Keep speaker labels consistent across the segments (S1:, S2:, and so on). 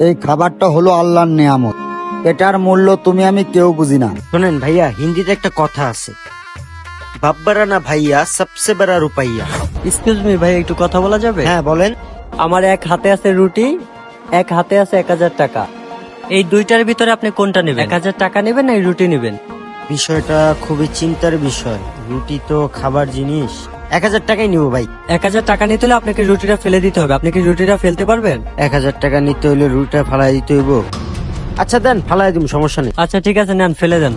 S1: এই খাবারটা হলো আল্লাহর নেয়ামত, এটার মূল্য তুমি আমি কেউ বুঝি না।
S2: শোনেন ভাইয়া, হিন্দিতে একটা কথা আছে, বাব্বারা না ভাইয়া সবসে বড় রুপাইয়া।
S3: এক্সকিউজ মি ভাই, একটু কথা বলা যাবে?
S2: হ্যাঁ বলেন।
S3: আমার এক হাতে আছে রুটি, এক হাতে আছে 1000 টাকা। এই দুইটার ভিতরে আপনি কোনটা নেবেন? 1000 টাকা নেবেন না এই রুটি নেবেন?
S2: বিষয়টা খুবই চিন্তার বিষয়, রুটি তো খাবার জিনিস। 1000 টাকাই নিব ভাই।
S3: 1000 টাকা নিতে হলে আপনাকে রুটিটা ফেলে দিতে হবে। আপনি কি রুটিটা ফেলতে পারবেন?
S2: 1000 টাকা নিতে হলে রুটিটা ফালাই দিতে হইব। আচ্ছা দেন, ফালাই দিম, সমস্যা নেই।
S3: আচ্ছা ঠিক আছে, নেন, ফেলে দেন।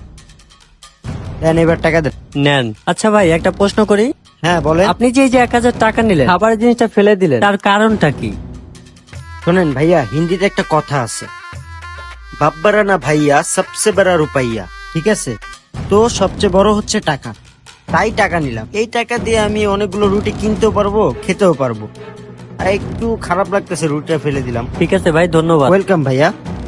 S2: দেন এবার টাকা দেন।
S3: নেন। আচ্ছা ভাই, একটা প্রশ্ন করি।
S2: হ্যাঁ বলেন।
S3: আপনি যে এই যে 1000 টাকা নিলেন, খাবারের জিনিসটা ফেলে দিলেন, তার কারণটা কি?
S2: শোনেন ভাইয়া, হিন্দিতে একটা কথা আছে, বাব্বারা না ভাইয়া সবসে বড় রুপাইয়া। ঠিক আছে, তো সবচেয়ে বড় হচ্ছে টাকা, তাই টাকা নিলাম। এই টাকা দিয়ে আমি অনেকগুলো রুটি কিনতেও পারবো, খেতেও পারবো। আর একটু খারাপ লাগতেছে, রুটিটা ফেলে দিলাম।
S3: ঠিক আছে ভাই, ধন্যবাদ।
S2: ওয়েলকাম ভাইয়া।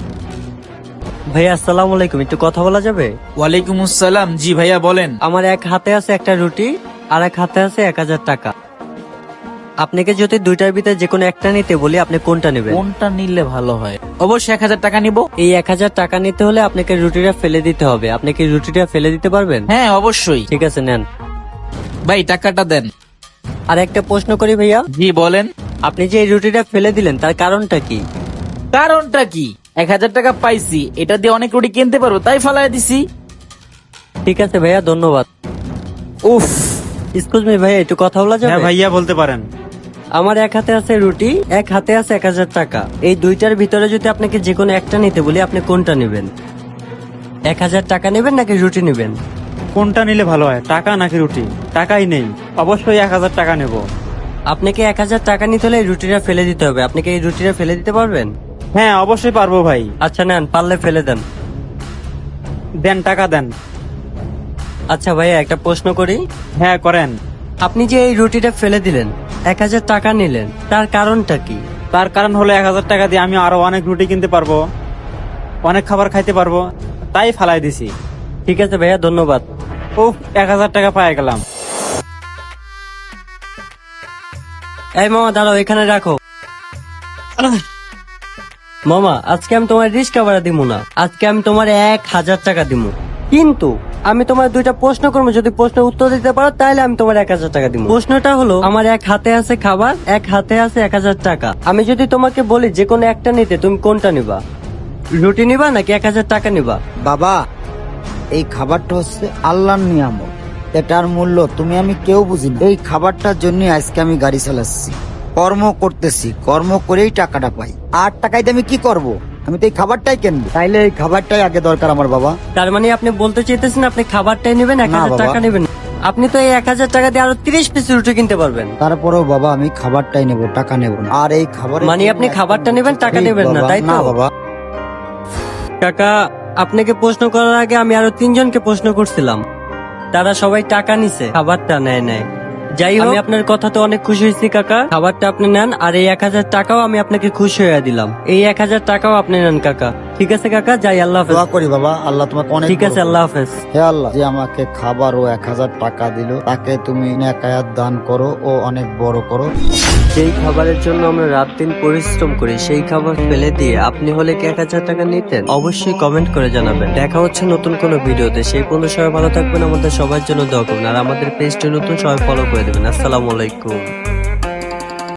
S3: ভাইয়া আসসালামু আলাইকুম, একটু কথা বলা যাবে?
S4: ওয়ালাইকুম আসসালাম। জি ভাইয়া বলেন।
S3: আমার এক হাতে আছে একটা রুটি, আর এক হাতে আছে 1000 টাকা। আপনাকে যদি দুইটার ভিতরে যে কোনো একটা নিতে বলি, আপনি কোনটা নেবেন?
S4: কোনটা নিলে ভালো হয়? অবশ্যই 1000 টাকা নিব।
S3: এই 1000 টাকা নিতে হলে আপনাকে রুটিটা ফেলে দিতে হবে। আপনি কি রুটিটা ফেলে দিতে পারবেন?
S4: হ্যাঁ অবশ্যই।
S3: ঠিক আছে, নেন।
S4: ভাই টাকাটা দেন।
S3: আর একটা প্রশ্ন করি ভাইয়া,
S4: জি বলেন।
S3: আপনি যে এই রুটিটা ফেলে দিলেন, তার কারণটা কি?
S4: কারণটা কি? 1000 টাকা পাইছি, এটা দিয়ে অনেক রুটি কিনতে পারবো, তাই ফালাই দিছি।
S3: ঠিক আছে ভাইয়া, ধন্যবাদ।
S4: উফ।
S3: এক্সকিউজ মি ভাইয়া, একটু কথা বলা যাবে?
S5: হ্যাঁ ভাইয়া বলতে পারেন।
S3: আমার এক হাতে আছে রুটি, এক হাতে আছে 1000 টাকা। এই দুইটার ভিতরে যদি আপনাকে যে কোনো একটা নিতে বলি, আপনি কোনটা নেবেন? 1000 টাকা নেবেন নাকি রুটি নেবেন?
S5: কোনটা নিলে ভালো হয়, টাকা নাকি রুটি? টাকাই নেই, অবশ্যই 1000 টাকা নেব।
S3: আপনাকে 1000 টাকা নিতে হলে এই রুটিটা ফেলে দিতে হবে। আপনি কি এই রুটিটা ফেলে দিতে পারবেন?
S5: হ্যাঁ অবশ্যই পারবো ভাই।
S3: আচ্ছা নেন, পারলে ফেলে দেন।
S5: দেন, টাকা দেন।
S3: আচ্ছা ভাইয়া, একটা প্রশ্ন করি।
S5: হ্যাঁ করেন।
S3: আপনি যে এই রুটিটা ফেলে দিলেন, 1000 টাকা নিলেন, তার কারণটা কি?
S5: তার কারণ হলো 1000 টাকা দিয়ে আমি আরো অনেক রুটি কিনতে পারবো, অনেক খাবার খাইতে পারবো, তাই ফালাই দিছি।
S3: ঠিক আছে ভাইয়া, ধন্যবাদ।
S5: উফ, 1000 টাকা পাই গেলাম।
S3: এই মামা দাঁড়াও, এখানে রাখো। মামা, আজকে আমি তোমার রিস্কা ভাড়া দিব না, আজকে আমি তোমার 1000 টাকা দিব। কিন্তু আমি তোমার দুইটা প্রশ্ন করবো, যদি প্রশ্নের উত্তর দিতে পারো তাহলে আমি তোমার 1000 টাকা দিব। প্রশ্নটা হলো, আমার এক হাতে আছে খাবার, এক হাতে আছে 1000 টাকা। আমি যদি তোমাকে বলি যে কোনো একটা নিতে, তুমি কোনটা নিবা? রুটি নিবা নাকি 1000 টাকা নিবা?
S1: বাবা, এই খাবারটা হচ্ছে আল্লাহর নিয়ামত, এটার মূল্য তুমি আমি কেউ বুঝি না। এই খাবারটার জন্য আজকে আমি গাড়ি চালাচ্ছি, কর্ম করতেছি, কর্ম করেই টাকাটা পাই। আর টাকায় দিয়ে আমি কি করব? আমি তো এই খাবারটাই কিনবো, তাইলে এই খাবারটাই আগে দরকার আমার বাবা।
S3: তার মানে আপনি বলতে চাইতেছেন আপনি খাবারটাই নেবেন, 1000
S1: বাবা।
S3: টাকা নেবেন? আপনি তো এই 1000 টাকা দিয়ে আরো 30 পিস রুটি কিনতে পারবেন।
S1: তারপরেও বাবা আমি খাবারটাই নেব, টাকা নেব না। আর এই খাবার
S3: মানে আপনি খাবারটা নেবেন, টাকা নেবেন না, তাই তো?
S1: না বাবা।
S3: কাকা, আপনাকে প্রশ্ন করার আগে আমি আরো 3 জনকে প্রশ্ন করছিলাম, তারা সবাই টাকা নিছে, খাবারটা নেয় নাই। যাই হোক, আমি আপনার কথাতে অনেক খুশি হয়েছি কাকা। খাবারটা আপনি নেন, আর এই 1000 টাকাও আমি আপনাকে খুশি হয়ে দিলাম। এই 1000 টাকাও আপনি নেন কাকা। ঠিক আছে কাকা, যাই, আল্লাহ হাফেজ।
S1: দোয়া করি বাবা, আল্লাহ তোমাকে অনেক
S3: ঠিক আছে, আল্লাহ হাফেজ।
S1: হে আল্লাহ, যে আমাকে খাবার ও 1000 টাকা দিল, তাকে তুমি নেকায়াত দান করো ও অনেক বড় করো।
S3: যেই খাবারের জন্য আমরা রাত দিন পরিশ্রম করি, সেই খাবার ফেলে দিয়ে আপনি হলে কি 1000 টাকা নিতেন? অবশ্যই কমেন্ট করে জানাবেন। দেখা হচ্ছে নতুন কোনো ভিডিওতে, সেই পর্যন্ত সবাই ভালো থাকবেন, আমাদের সবার জন্য দোয়া করবেন, আর আমাদের পেজটি নতুন, সবাই ফলো করে দেবেন। আসসালামু আলাইকুম।